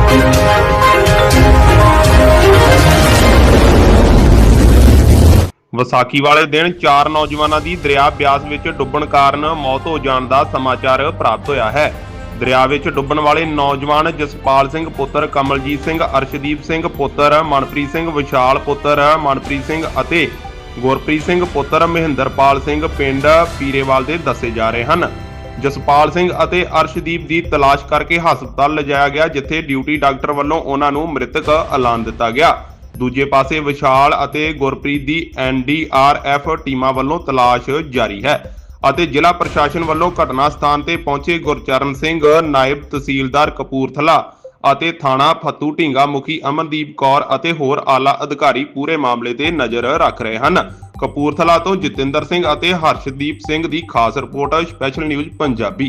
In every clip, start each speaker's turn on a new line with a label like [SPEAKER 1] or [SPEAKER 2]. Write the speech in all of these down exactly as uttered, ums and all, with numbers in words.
[SPEAKER 1] ਵਿਸਾਖੀ ਵਾਲੇ ਦਿਨ ਚਾਰ ਨੌਜਵਾਨਾਂ ਦੀ ਦਰਿਆ ਬਿਆਸ ਵਿੱਚ ਡੁੱਬਣ ਕਾਰਨ ਮੌਤ ਹੋ ਜਾਣ ਦਾ ਸਮਾਚਾਰ ਪ੍ਰਾਪਤ ਹੋਇਆ ਹੈ। ਦਰਿਆ ਵਿੱਚ ਡੁੱਬਣ ਵਾਲੇ ਨੌਜਵਾਨ ਜਸਪਾਲ ਸਿੰਘ ਪੁੱਤਰ ਕਮਲਜੀਤ ਸਿੰਘ, ਅਰਸ਼ਦੀਪ ਸਿੰਘ ਪੁੱਤਰ ਮਨਪ੍ਰੀਤ ਸਿੰਘ, ਵਿਸ਼ਾਲ ਪੁੱਤਰ ਮਨਪ੍ਰੀਤ ਸਿੰਘ ਅਤੇ ਗੁਰਪ੍ਰੀਤ ਸਿੰਘ ਪੁੱਤਰ ਮਹਿੰਦਰਪਾਲ ਸਿੰਘ ਪਿੰਡ ਪੀਰੇਵਾਲ ਦੇ ਦੱਸੇ ਜਾ ਰਹੇ ਹਨ। ਜਸਪਾਲ ਸਿੰਘ ਅਤੇ ਅਰਸ਼ਦੀਪ ਦੀ ਤਲਾਸ਼ ਕਰਕੇ ਹਸਪਤਾਲ ਲਿਜਾਇਆ ਗਿਆ, ਜਿੱਥੇ ਡਿਊਟੀ ਡਾਕਟਰ ਵੱਲੋਂ ਉਹਨਾਂ ਨੂੰ ਮ੍ਰਿਤਕ ਐਲਾਨ ਦਿੱਤਾ ਗਿਆ। ਦੂਜੇ ਪਾਸੇ ਵਿਸ਼ਾਲ ਅਤੇ ਗੁਰਪ੍ਰੀਤ ਦੀ ਐਨ ਡੀ ਆਰ ਐਫ ਟੀਮਾਂ ਵੱਲੋਂ ਤਲਾਸ਼ ਜਾਰੀ ਹੈ ਅਤੇ ਜ਼ਿਲ੍ਹਾ ਪ੍ਰਸ਼ਾਸਨ ਵੱਲੋਂ ਘਟਨਾ ਸਥਾਨ ਤੇ ਪਹੁੰਚੇ ਗੁਰਚਰਨ ਸਿੰਘ, ਨਾਇਬ ਤਹਿਸੀਲਦਾਰ ਕਪੂਰਥਲਾ ਅਤੇ ਥਾਣਾ ਫੱਤੂ ਢੀਂਗਾ ਮੁਖੀ ਅਮਨਦੀਪ ਕੌਰ ਅਤੇ ਹੋਰ ਆਲਾ ਅਧਿਕਾਰੀ ਪੂਰੇ ਮਾਮਲੇ ਤੇ ਨਜ਼ਰ ਰੱਖ ਰਹੇ ਹਨ। ਕਪੂਰਥਲਾ ਤੋਂ ਜਤਿੰਦਰ ਸਿੰਘ ਅਤੇ ਹਰਸ਼ਦੀਪ ਸਿੰਘ ਦੀ ਖਾਸ ਰਿਪੋਰਟ, ਸਪੈਸ਼ਲ ਨਿਊਜ਼ ਪੰਜਾਬੀ।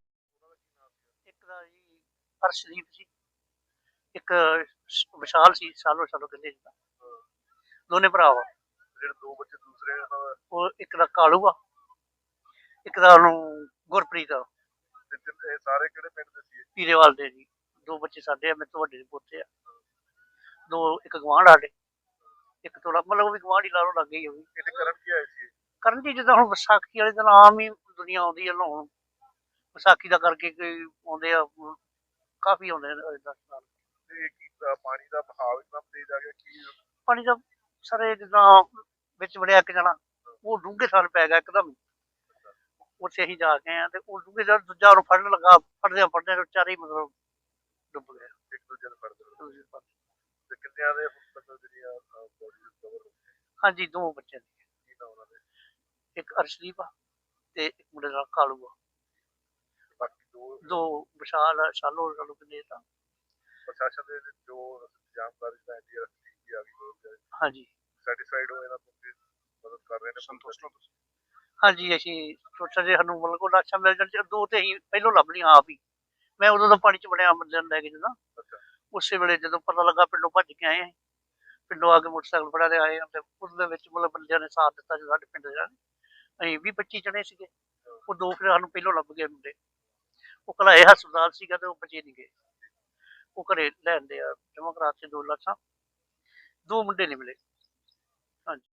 [SPEAKER 2] ਇੱਕ ਦਾ ਜੀ ਅਰਸ਼ਦੀਪ ਜੀ, ਇੱਕ ਵਿਸ਼ਾਲ ਸੀ, ਸਾਲੋ ਸਾਲੋ ਕਹਿੰਦੇ ਜੀ, ਦੋਨੇ ਭਰਾ ਵਾ।
[SPEAKER 3] ਜਿਹੜੇ ਦੋ ਬੱਚੇ ਦੂਸਰੇ ਉਹਨਾਂ ਦਾ
[SPEAKER 2] ਉਹ ਇੱਕ ਦਾ ਕਾਲੂ ਆ, ਇੱਕ ਦਾ ਉਹਨੂੰ ਗੁਰਪ੍ਰੀਤ ਆ।
[SPEAKER 3] ਤੇ ਤਿੰਨ- ਇਹ ਸਾਰੇ ਕਿਹੜੇ ਪਿੰਡ ਦੇ ਸੀ?
[SPEAKER 2] ਪੀਰੇਵਾਲ ਦੇ ਜੀ। ਦੋ ਬੱਚੇ ਸਾਡੇ ਆ, ਮੇਰੇ ਤੋਂ ਵੱਡੇ ਦੇ ਪੋਤੇ ਆ। ਦੋ ਇੱਕ ਗਵਾਂਢ ਸਾਡੇ, ਇੱਕ ਥੋੜਾ ਮਤਲਬ ਉਹ ਵੀ ਗਵਾਂਢ ਹੀ ਲਾ ਲਓ, ਲੱਗੇ ਹੀ ਉਹ ਵੀ।
[SPEAKER 3] ਇਹ ਤੇ ਕਰਨ ਕੀ ਆਏ ਸੀ?
[SPEAKER 2] ਕਰਨ ਜੀ ਜਿੱਦਾਂ ਹੁਣ ਵਿਸਾਖੀ ਵਾਲੇ ਦਿਨ ਆਮ ਹੀ ਦੁਨੀਆ ਆਉਂਦੀ ਹੈ ਨਹਾਉਣ, ਵਿਸਾਖੀ ਦਾ ਕਰਕੇ ਕੋਈ ਆਉਂਦੇ ਆ, ਕਾਫੀ ਆਉਂਦੇ ਨੇ ਦਸ ਸਾਲ।
[SPEAKER 3] ਤੇ ਕੀ ਅ, ਪਾਣੀ ਦਾ ਬਹਾਵ ਇਤਨਾ ਤੇਜ਼ ਆ ਗਿਆ ਕਿ
[SPEAKER 2] ਪਾਣੀ ਦਾ ਸਾਰੇ ਜਿੱਦਾਂ ਵਿੱਚ ਵੜਿਆ ਇੱਕ ਜਣਾ, ਉਹ ਡੂੰਘੇ ਸਾਲ ਪੈ ਗਿਆ ਇੱਕਦਮ। ਉੱਥੇ ਅਸੀਂ ਜਾ ਕੇ ਆਏ ਆ ਤੇ ਉਹ ਡੂੰਘੇ ਸਾਲ ਦੂਜਾ ਉਹਨੂੰ ਫੜਨ ਲੱਗਾ, ਫੜਦਿਆਂ ਫੜਦਿਆਂ ਵਿਚਾਰੇ ਹੀ ਮਤਲਬ ਡੁੱਬ ਗਿਆ।
[SPEAKER 3] ਇੱਕ ਦੂਜੇ ਨੂੰ ਫੜਦੇ ਰਹੇ।
[SPEAKER 2] ਦੂਜੇ ਪਾਸੇ।
[SPEAKER 3] ਤੇ ਕਿੰਨਿਆਂ ਦੇ ਹੁਣ ਤੱਕ ਜਿਹੜੀਆਂ ਬੋਡੀ ਰਿਕਵਰ
[SPEAKER 2] ਹਾਂਜੀ, ਦੋ ਬੱਚੇ ਨੇ,
[SPEAKER 3] ਕੀ ਨਾ ਉਹਨਾਂ ਦੇ?
[SPEAKER 2] ਇੱਕ ਅਰਸ਼ਦੀਪ ਆ ਤੇ ਇੱਕ ਮੁੰਡੇ ਦਾ ਕਾਲੂ ਆ।
[SPEAKER 3] ਬਾਕੀ ਦੋ
[SPEAKER 2] ਦੋ ਵਿਸ਼ਾਲ ਆ, ਸ਼ਾਲੋ ਸ਼ਾਲੋ ਕਹਿੰਦੇ ਤਾਂ।
[SPEAKER 3] ਪ੍ਰਸ਼ਾਸਨ ਦੇ ਜੋ ਇੰਤਜ਼ਾਮਕਾਰੀ ਦਾ N D R F team ਵੀ ਆ ਗਈ,
[SPEAKER 2] ਹਾਂਜੀ
[SPEAKER 3] ਸੈਟੀਸਫਾਈਡ ਹੋ ਇਹਨਾਂ ਤੋਂ ਕਿ ਮਦਦ ਕਰ ਰਹੇ ਨੇ?
[SPEAKER 1] ਸੰਤੁਸ਼ਟ ਹੋ ਤੁਸੀਂ?
[SPEAKER 2] ਹਾਂਜੀ, ਅਸੀਂ ਸੋਚਿਆ ਜੇ ਸਾਨੂੰ ਮਤਲਬ ਕੋਈ ਲਾਸ਼ਾਂ ਮਿਲ ਜਾਣ, ਦੋ ਤੇ ਅਸੀਂ ਪਹਿਲੋਂ ਲੱਭ ਲਈਆਂ ਆਪ ਹੀ। ਮੈਂ ਉਦੋਂ ਤਾਂ ਪਾਣੀ ਚ ਵੜਿਆ ਬੰਦਿਆਂ ਨੂੰ ਲੈ ਕੇ ਜਦੋਂ,
[SPEAKER 3] ਅੱਛਾ।
[SPEAKER 2] ਉਸੇ ਵੇਲੇ ਜਦੋਂ ਪਤਾ ਲੱਗਾ ਪਿੰਡੋਂ ਭੱਜ ਕੇ ਆਏ ਅਸੀਂ। ਪਿੰਡੋਂ ਆ ਕੇ ਮੋਟਰਸਾਈਕਲ ਫੜਾ ਦੇ ਆਏ ਤੇ ਉਹਦੇ ਵਿੱਚ ਮਤਲਬ ਬੰਦਿਆਂ ਨੇ ਸਾਥ ਦਿੱਤਾ ਜੋ ਸਾਡੇ ਪਿੰਡ ਦੇ। ਅਸੀਂ ਵੀਹ ਪੱਚੀ ਜਣੇ ਸੀਗੇ, ਉਹ ਦੋ ਫਿਰ ਸਾਨੂੰ ਪਹਿਲੋਂ ਲੱਭ ਗਏ ਮੁੰਡੇ। ਉਹ ਘਲਾਏ ਹਸਪਤਾਲ ਸੀਗਾ ਤੇ ਉਹ ਬਚੇ ਨਹੀਂ ਗਏ, ਉਹ ਘਰੇ ਲੈਂਦੇ ਆ ਜਮ੍ਹਾਂ ਕਰਾ ਕੇ ਦੋ ਲਾਸ਼ਾਂ, ਦੋ ਮੁੰਡੇ ਨਹੀਂ ਮਿਲੇ। ਹਾਂਜੀ।